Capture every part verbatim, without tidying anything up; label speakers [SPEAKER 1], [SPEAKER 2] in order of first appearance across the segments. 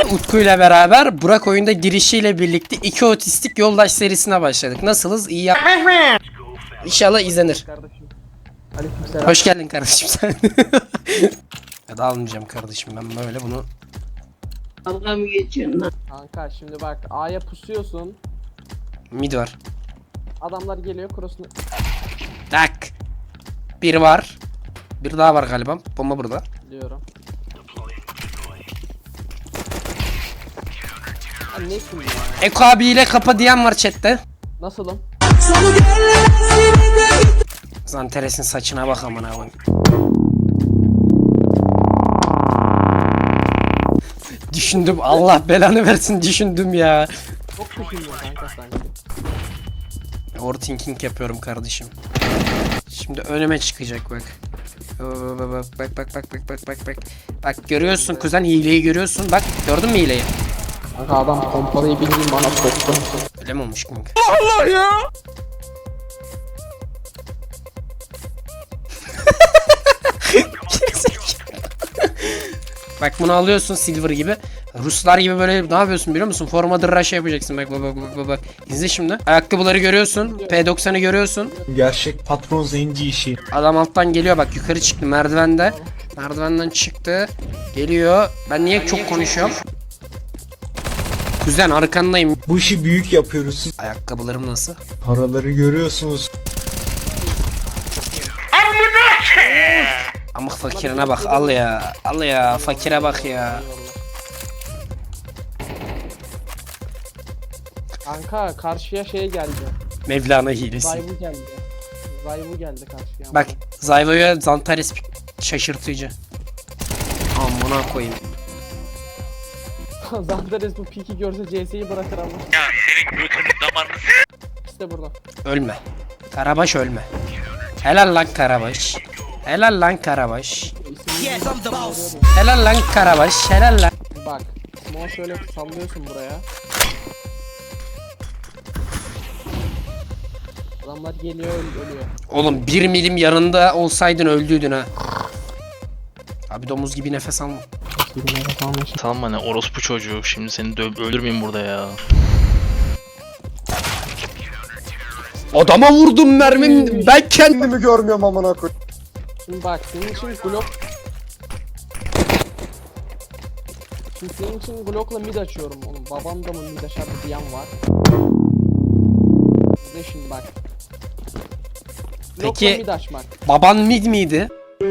[SPEAKER 1] Utku ile beraber Burak oyunda girişiyle birlikte iki otistik yoldaş serisine başladık. Nasılız? İyi yap. İnşallah izlenir. Hoş geldin kardeşim sen. Ya da almayacağım kardeşim ben böyle bunu.
[SPEAKER 2] Dalga mı geçiyorsun lan?
[SPEAKER 3] Kanka şimdi bak A'ya pusuyorsun.
[SPEAKER 1] Mid var.
[SPEAKER 3] Adamlar geliyor cross'unu.
[SPEAKER 1] Tak. Bir var. Bir daha var galiba. Bomba burada.
[SPEAKER 3] Diyorum. Ha, ne şimdi ya?
[SPEAKER 1] Eko abiyle kapa diyen var chatte.
[SPEAKER 3] Nasılım?
[SPEAKER 1] Zanteres'in saçına bak amına koyayım. Düşündüm, Allah belanı versin, düşündüm ya.
[SPEAKER 3] Çok düşünüyor kanka sanki.
[SPEAKER 1] Overthinking yapıyorum kardeşim. Şimdi önüme çıkacak bak. Bak bak bak bak bak bak bak bak. Bak görüyorsun kuzen, hileyi görüyorsun. Bak gördün mü hileyi?
[SPEAKER 3] Kanka adam pompalıyı bildiğin bana soktu.
[SPEAKER 1] Öyle mi olmuş kanka?
[SPEAKER 3] Allah ya!
[SPEAKER 1] Bak bunu alıyorsun silver gibi. Ruslar gibi böyle ne yapıyorsun biliyor musun? Formadır rush yapacaksın. Bak bak bak bak bak. İzle şimdi. Ayakkabıları görüyorsun. P doksan'ı görüyorsun.
[SPEAKER 4] Gerçek patron zenci işi.
[SPEAKER 1] Adam alttan geliyor bak, yukarı çıktı merdivende. Merdivenden çıktı. Geliyor. Ben niye çok konuşuyorum? Kuzen arkandayım.
[SPEAKER 4] Bu işi büyük yapıyoruz. Siz
[SPEAKER 1] Ayakkabılarım nasıl?
[SPEAKER 4] paraları görüyorsunuz.
[SPEAKER 1] Amık fakirine bak, al ya. Al ya, fakire bak ya.
[SPEAKER 3] Kanka karşıya şey geldi.
[SPEAKER 1] Mevlana hilesi.
[SPEAKER 3] Zayvu geldi. Zayvu geldi karşıya.
[SPEAKER 1] Bak Zayvo'ya Zantares şaşırtıcı. Amına koyayım.
[SPEAKER 3] Zandares bu piki görse C S'yi bırakır ama.
[SPEAKER 5] Ya senin götünün damarını
[SPEAKER 3] İşte burada.
[SPEAKER 1] Ölme. Karabaş ölme. Helal lan Karabaş. Helal lan Karabaş. Helal lan Karabaş. Helal lan.
[SPEAKER 3] Bak. Smoke şöyle sallıyorsun buraya. Adamlar geliyor öl- ölüyor.
[SPEAKER 1] Oğlum bir milim yanında olsaydın öldüydün ha. Abi domuz gibi nefes alma.
[SPEAKER 5] Tamam hani orospu çocuğu, şimdi seni dö- öldürmeyeyim burada ya.
[SPEAKER 1] Adama vurdum mermim. Ben kendimi
[SPEAKER 4] görmüyorum amına koy.
[SPEAKER 3] Şimdi bak senin için Glock. Şimdi senin için Glock'la mid açıyorum oğlum. Babam da mı mid açar diyen var. Bir de şimdi bak. Glock'la
[SPEAKER 1] Peki-
[SPEAKER 3] mid açmak.
[SPEAKER 1] Baban mid miydi?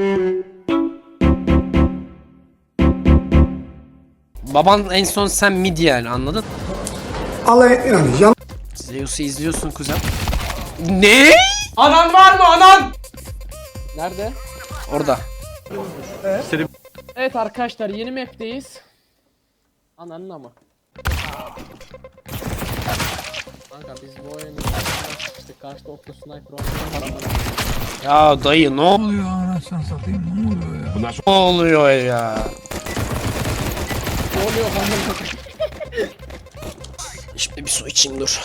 [SPEAKER 1] Baban en son sen mid yani, anladın?
[SPEAKER 4] Alay yani yan.
[SPEAKER 1] Zeus'u izliyorsun kuzen. Ne? Anan var mı anan?
[SPEAKER 3] Nerede?
[SPEAKER 1] Orada.
[SPEAKER 3] Evet arkadaşlar yeni map'teyiz. Ananın ama. Kanka biz bu oyunu işte karşıda Opto Sniper oynuyoruz.
[SPEAKER 1] Ya dayı ne oluyor anasını satayım, ne oluyor ya? Ne oluyor ya?
[SPEAKER 3] Ne oluyor kanka?
[SPEAKER 1] Şimdi bir su içeyim dur.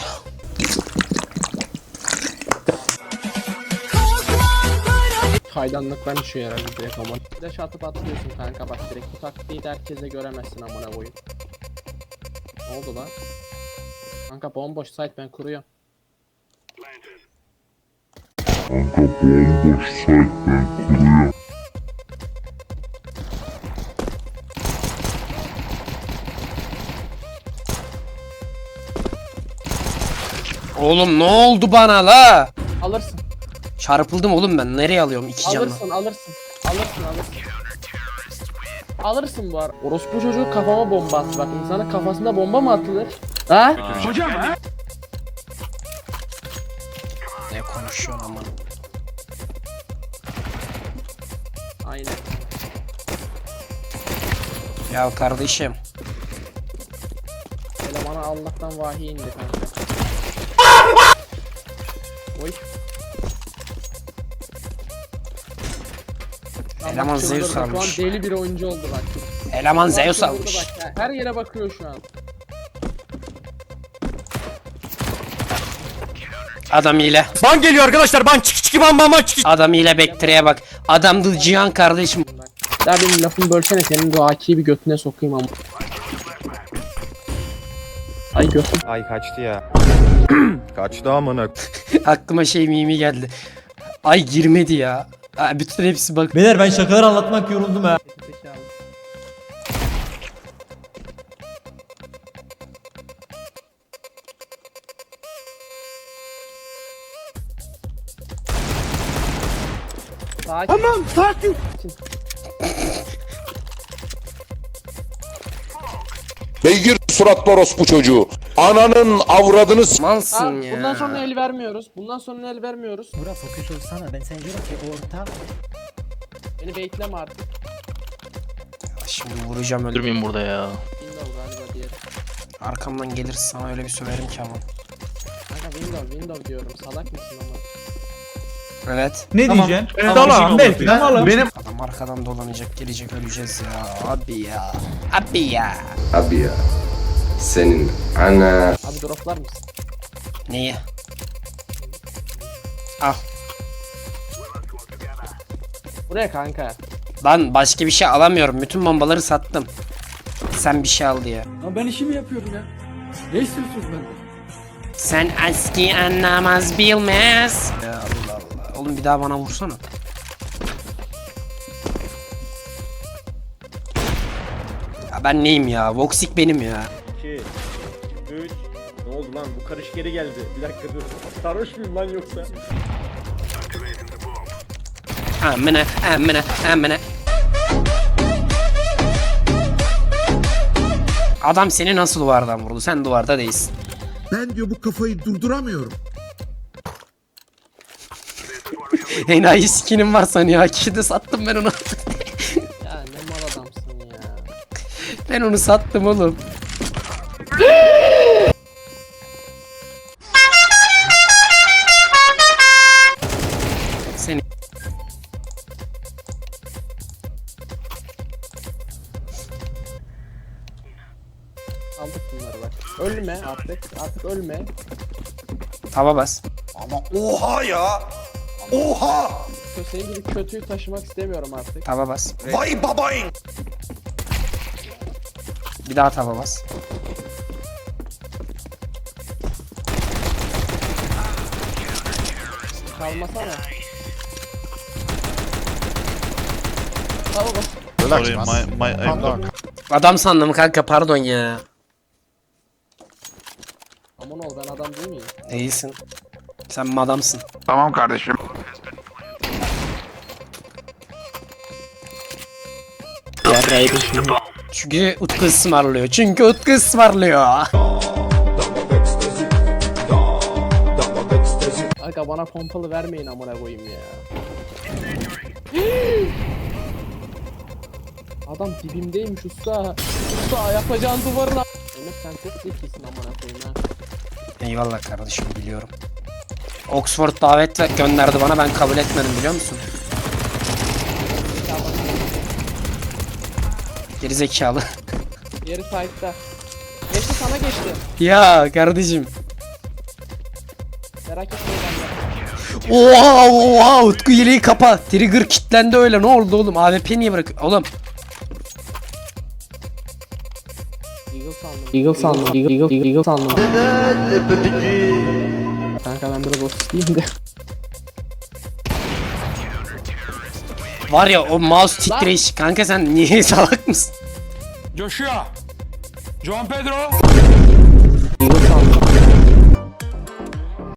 [SPEAKER 3] Kaydanlıktan düşüyor herhalde direkt ama. Flash atıp atlıyorsun kanka bak direkt bu taktiği de herkese göremezsin amına koyayım. Ne oldu lan? Kanka bomboş site ben kuruyorum.
[SPEAKER 1] Oğlum ne oldu bana la?
[SPEAKER 3] Alırsın.
[SPEAKER 1] Çarpıldım oğlum ben. Nereye alıyorum iki canla?
[SPEAKER 3] Alırsın alırsın. Alırsın alırsın. Alırsın bu ara. Orospu çocuğu kafama bomba attı bak. İnsanın kafasında bomba mı atılır? Ha?
[SPEAKER 5] Hocam ha?
[SPEAKER 1] Ne konuşuyorsun aman?
[SPEAKER 3] Aynen.
[SPEAKER 1] Ya kardeşim.
[SPEAKER 3] Elemana Allah'tan vahiy indi kanka. Oy. Lan
[SPEAKER 1] Eleman
[SPEAKER 3] bak çıldırdı.
[SPEAKER 1] Zeus almış.
[SPEAKER 3] Şu an deli bir oyuncu oldu bak.
[SPEAKER 1] Eleman
[SPEAKER 3] Bak
[SPEAKER 1] Zeus
[SPEAKER 3] çıldırdı
[SPEAKER 1] almış.
[SPEAKER 3] bak ya. Her yere bakıyor şu an.
[SPEAKER 1] Adam ile.
[SPEAKER 4] Ban geliyor arkadaşlar, ban çık çık ban ban ban çık.
[SPEAKER 1] Adam ile Bektire'ye bak. Adamdı Cihan kardeşim.
[SPEAKER 3] Bak. Ya benim lafımı bölsene senin bu A K'yi bir götüne sokayım ama. Ay gör.
[SPEAKER 6] Ay kaçtı ya. Kaçtı amına.
[SPEAKER 1] Aklıma şey mimi geldi. Ay girmedi ya. Aa, bütün hepsi bak.
[SPEAKER 7] Beyler ben şakalar anlatmak yoruldum ha.
[SPEAKER 3] Sakin. Tamam sakin.
[SPEAKER 8] Beygir suratlı orospu çocuğu. Ananın avradını s-
[SPEAKER 1] Malsın
[SPEAKER 3] Aa,
[SPEAKER 1] ya.
[SPEAKER 3] bundan sonra el vermiyoruz. Bundan sonra el vermiyoruz.
[SPEAKER 7] Burak fokus olsana, ben sana diyorum ki orta.
[SPEAKER 3] Beni bekleme artık.
[SPEAKER 1] Şimdi vuracağım öyle.
[SPEAKER 5] Öldürmeyin burada ya.
[SPEAKER 3] Window galiba diğeri.
[SPEAKER 1] Arkamdan gelir sana öyle bir söverim ki ama.
[SPEAKER 3] Kanka window window diyorum. Salak mısın ama?
[SPEAKER 1] Evet.
[SPEAKER 7] Ne diyeceksin?
[SPEAKER 4] Tamam belki. Benim
[SPEAKER 1] Adam arkadan dolanacak gelecek öleceğiz ya. Abi ya. Abi ya.
[SPEAKER 9] Abi ya. Senin ana.
[SPEAKER 3] Abi droplar mısın?
[SPEAKER 1] Neyi? Al.
[SPEAKER 3] Buraya kanka.
[SPEAKER 1] Lan başka bir şey alamıyorum. Bütün bombaları sattım. Sen bir şey al diye.
[SPEAKER 7] Ama ben işimi yapıyorum ya. Ne istiyorsunuz benden?
[SPEAKER 1] Sen eski anlamaz bilmez. Ya Allah Allah. Oğlum bir daha bana vursana. Ya ben neyim ya? Voxic benim ya.
[SPEAKER 6] iki, üç. Ne oldu lan? Bu karış geri geldi. Bir dakika dur. Sarhoş muyum lan yoksa?
[SPEAKER 1] Amına amına amına. Adam seni nasıl duvardan vurdu? Sen duvarda değilsin.
[SPEAKER 4] ben diyor bu kafayı durduramıyorum.
[SPEAKER 1] Enayi skinim var sanıyor. Hakikaten sattım ben onu.
[SPEAKER 3] Ya ne mal adamsın ya.
[SPEAKER 1] Ben onu sattım oğlum. Seni
[SPEAKER 3] Aldık bunları bak. Ölme artık. Artık ölme.
[SPEAKER 1] tava bas.
[SPEAKER 4] Ama oha ya. Oha.
[SPEAKER 3] Senin gibi kötüyü taşımak istemiyorum artık.
[SPEAKER 1] Tava bas.
[SPEAKER 4] Vay babayın.
[SPEAKER 1] Bir daha tava bas.
[SPEAKER 3] Kalmasana. Tamam bak.
[SPEAKER 5] Sorry, my, my, I'm
[SPEAKER 1] Adam sandım kanka pardon ya.
[SPEAKER 3] Aman ol ben adam değil miyim?
[SPEAKER 1] Değilsin. Sen madamsın.
[SPEAKER 4] Tamam kardeşim.
[SPEAKER 1] Çünkü Utku ısmarlıyor. Çünkü Utku ısmarlıyor.
[SPEAKER 3] Aga bana pompalı vermeyin amına koyayım ya. Adam dibimdeymiş usta. Usta yapacağın duvarına. Emir sen çok zekisin amına koyayım ha.
[SPEAKER 1] Eyvallah kardeşim biliyorum. Oxford davet ve- gönderdi bana ben kabul etmedim biliyor musun? Geri zekalı.
[SPEAKER 3] Yeri sahipte. Geçti sana geçti.
[SPEAKER 1] Ya kardeşim.
[SPEAKER 3] Merak etme ben de.
[SPEAKER 1] Oha oha Utku yeleği kapa. Trigger kilitlendi öyle ne oldu oğlum? A W P niye bırak? Oğlum.
[SPEAKER 3] Eagle sandım. Eagle sandım. Eagle, Eagle, Eagle sandım. Kanka ben biraz otistiyim de.
[SPEAKER 1] Var ya o mouse titreş. Kanka sen niye salak mısın?
[SPEAKER 4] Joshua. Juan Pedro.